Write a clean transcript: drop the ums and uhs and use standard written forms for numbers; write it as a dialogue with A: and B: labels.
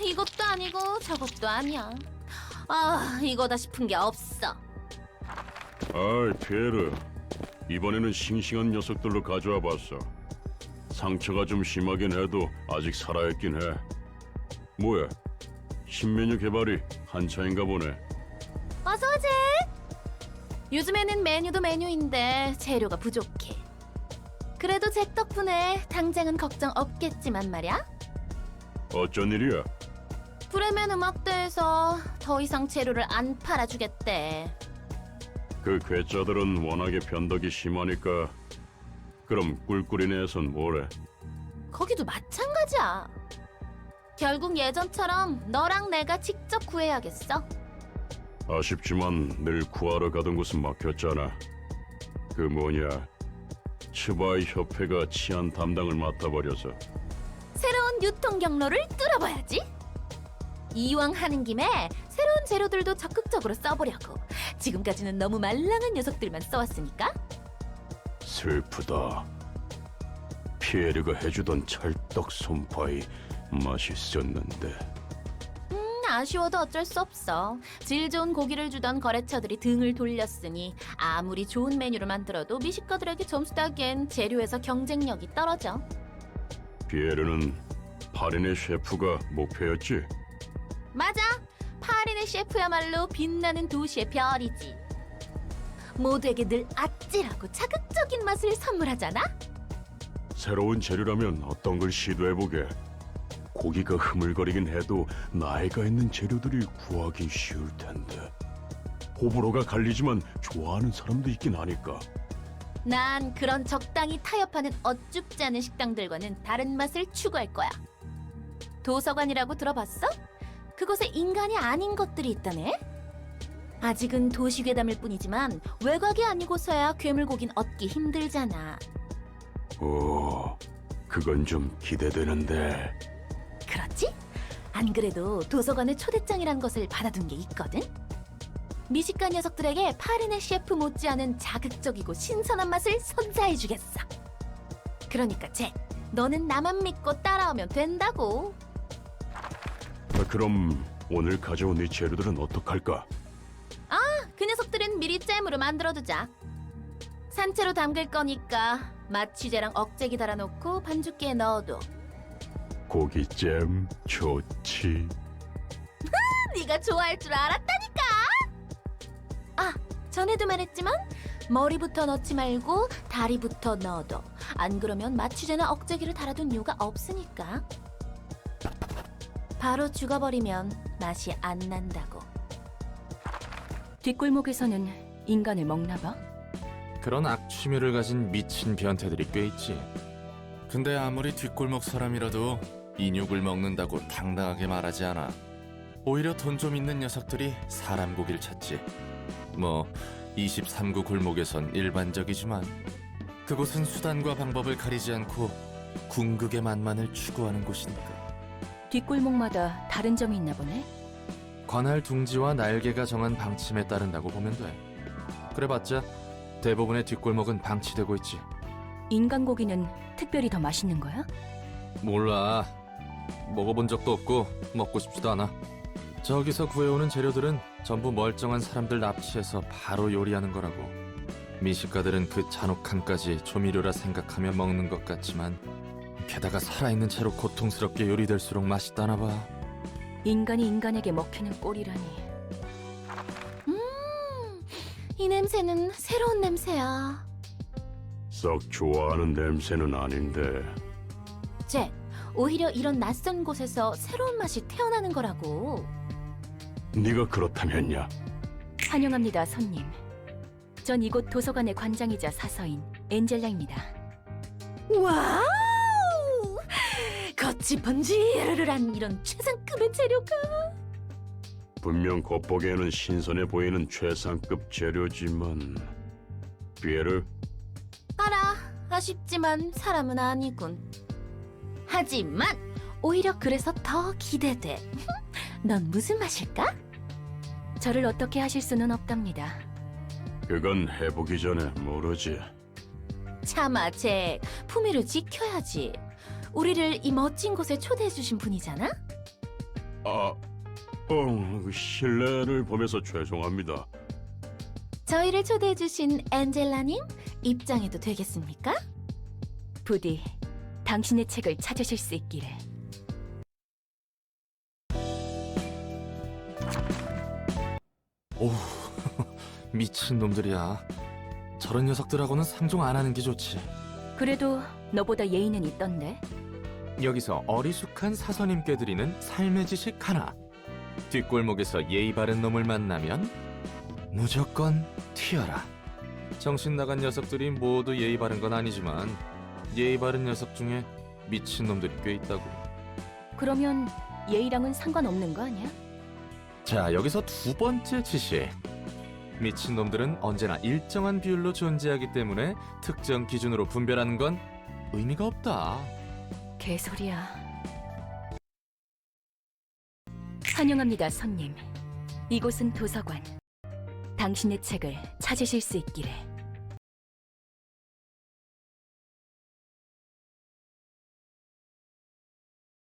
A: 이것도 아니고 저것도 아니야. 아, 이거다 싶은 게 없어.
B: 아이, 피에르. 이번에는 싱싱한 녀석들로 가져와 봤어. 상처가 좀 심하긴 해도 아직 살아있긴 해. 뭐야? 신메뉴 개발이 한창인가 보네.
A: 어서 오지. 요즘에는 메뉴도 메뉴인데 재료가 부족해. 그래도 잭 덕분에 당장은 걱정 없겠지만 말이야.
B: 어쩐 일이야?
A: 브레멘 음악대에서 더 이상 재료를 안 팔아주겠대.
B: 그 괴짜들은 워낙에 변덕이 심하니까. 그럼 꿀꿀이네에선 뭐래?
A: 거기도 마찬가지야. 결국 예전처럼 너랑 내가 직접 구해야겠어.
B: 아쉽지만 늘 구하러 가던 곳은 막혔잖아. 그 뭐냐, 츠바이 협회가 치안 담당을 맡아버려서.
A: 새로운 유통 경로를 뚫어봐야지. 이왕 하는 김에 새로운 재료들도 적극적으로 써보려고. 지금까지는 너무 말랑한 녀석들만 써왔으니까.
B: 슬프다. 피에르가 해주던 찰떡 손파이 맛있었는데.
A: 아쉬워도 어쩔 수 없어. 질 좋은 고기를 주던 거래처들이 등을 돌렸으니 아무리 좋은 메뉴를 만들어도 미식가들에게 점수 따기엔 재료에서 경쟁력이 떨어져.
B: 피에르는 파린의 셰프가 목표였지?
A: 맞아. 파린의 셰프야말로 빛나는 도시의 별이지. 모두에게 늘 아찔하고 자극적인 맛을 선물하잖아.
B: 새로운 재료라면 어떤 걸 시도해보게. 고기가 흐물거리긴 해도 나이가 있는 재료들이 구하기 쉬울 텐데. 호불호가 갈리지만 좋아하는 사람도 있긴 하니까.
A: 난 그런 적당히 타협하는 어쭙지 않은 식당들과는 다른 맛을 추구할 거야. 도서관이라고 들어봤어? 그곳에 인간이 아닌 것들이 있다네? 아직은 도시 괴담일 뿐이지만 외곽이 아니고서야 괴물고긴 얻기 힘들잖아.
B: 오, 그건 좀 기대되는데.
A: 그렇지? 안 그래도 도서관에 초대장이란 것을 받아둔 게 있거든? 미식가 녀석들에게 파리네 셰프 못지않은 자극적이고 신선한 맛을 선사해주겠어. 그러니까 잭, 너는 나만 믿고 따라오면 된다고.
B: 그럼 오늘 가져온 이 재료들은 어떡할까?
A: 그 녀석들은 미리 잼으로 만들어두자. 산채로 담글 거니까 마취제랑 억제기 달아놓고 반죽기에 넣어둬.
B: 고기잼 좋지.
A: 네가 좋아할 줄 알았다니까. 아, 전에도 말했지만 머리부터 넣지 말고 다리부터 넣어둬. 안 그러면 마취제나 억제기를 달아둔 이유가 없으니까. 바로 죽어버리면 맛이 안 난다고.
C: 뒷골목에서는 인간을 먹나 봐?
D: 그런 악취미를 가진 미친 변태들이 꽤 있지. 근데 아무리 뒷골목 사람이라도 인육을 먹는다고 당당하게 말하지 않아. 오히려 돈 좀 있는 녀석들이 사람 고기를 찾지. 뭐 23구 골목에선 일반적이지만 그곳은 수단과 방법을 가리지 않고 궁극의 맛만을 추구하는 곳이니까.
C: 뒷골목마다 다른 점이 있나 보네?
D: 관할 둥지와 날개가 정한 방침에 따른다고 보면 돼. 그래봤자 대부분의 뒷골목은 방치되고 있지.
C: 인간 고기는 특별히 더 맛있는 거야?
D: 몰라. 먹어본 적도 없고 먹고 싶지도 않아. 저기서 구해오는 재료들은 전부 멀쩡한 사람들 납치해서 바로 요리하는 거라고. 미식가들은 그 잔혹함까지 조미료라 생각하며 먹는 것 같지만 게다가 살아있는 채로 고통스럽게 요리될수록 맛있다나 봐.
C: 인간이 인간에게 먹히는 꼴이라니.
A: 이 냄새는 새로운 냄새야.
B: 썩 좋아하는 냄새는 아닌데.
A: 잭, 오히려 이런 낯선 곳에서 새로운 맛이 태어나는 거라고.
B: 네가 그렇다면야.
C: 환영합니다, 손님. 전 이곳 도서관의 관장이자 사서인 엔젤라입니다.
A: 와우! 겉이 번지르르한 이런 최상급의 재료가.
B: 분명 겉보기에는 신선해 보이는 최상급 재료지만. 피에르,
A: 알아, 아쉽지만 사람은 아니군. 하지만 오히려 그래서 더 기대돼. 넌 무슨 맛일까?
C: 저를 어떻게 하실 수는 없답니다.
B: 그건 해보기 전에 모르지.
A: 참아, 잭. 품위를 지켜야지. 우리를 이 멋진 곳에 초대해주신 분이잖아?
B: 실례를 범해서 죄송합니다.
A: 저희를 초대해주신 엔젤라님 입장해도 되겠습니까?
C: 부디 당신의 책을 찾으실 수 있기를.
D: 오우, 미친 놈들이야. 저런 녀석들하고는 상종 안 하는 게 좋지.
C: 그래도 너보다 예의는 있던데.
D: 여기서 어리숙한 사서님께 드리는 삶의 지식 하나. 뒷골목에서 예의 바른 놈을 만나면 무조건 튀어라. 정신 나간 녀석들이 모두 예의 바른 건 아니지만 예의 바른 녀석 중에 미친 놈들이 꽤 있다고.
C: 그러면 예의랑은 상관없는 거 아니야?
D: 자, 여기서 두 번째 지식. 미친 놈들은 언제나 일정한 비율로 존재하기 때문에 특정 기준으로 분별하는 건 의미가 없다.
C: 개소리야. 환영합니다, 손님. 이곳은 도서관. 당신의 책을 찾으실 수 있기를.